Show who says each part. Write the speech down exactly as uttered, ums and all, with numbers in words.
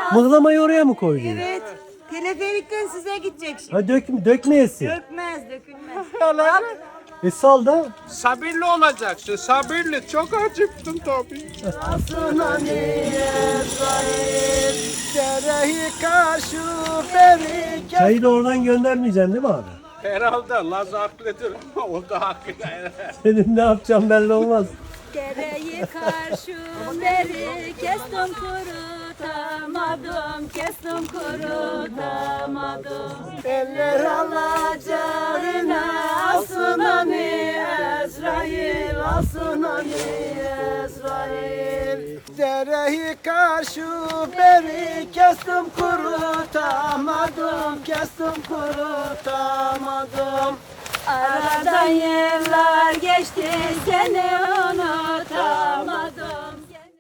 Speaker 1: Mıhlamayı oraya mı koydun?
Speaker 2: Evet. Teleferikten size gidecek şimdi.
Speaker 1: Ha dök, dökmeyesin.
Speaker 2: Dökmez, dökülmez.
Speaker 1: E sal da.
Speaker 3: Sabırlı olacaksın, sabırlı. Çok acıktım tabii.
Speaker 1: Çayı da oradan göndermeyeceksin değil mi abi?
Speaker 3: Herhalde Laz haklıdır. O da haklı.
Speaker 1: Senin ne yapacağım belli olmaz.
Speaker 4: Dereyi karşı beri kestim kurutamadım, kestim kurutamadım.
Speaker 5: Eller alacağına alsın onu Ezrail, alsın onu Ezrail. Dereyi karşı beri kestim kurutamadım, kestim kurutamadım.
Speaker 4: Aradan yıllar geçti, seni unutamadım.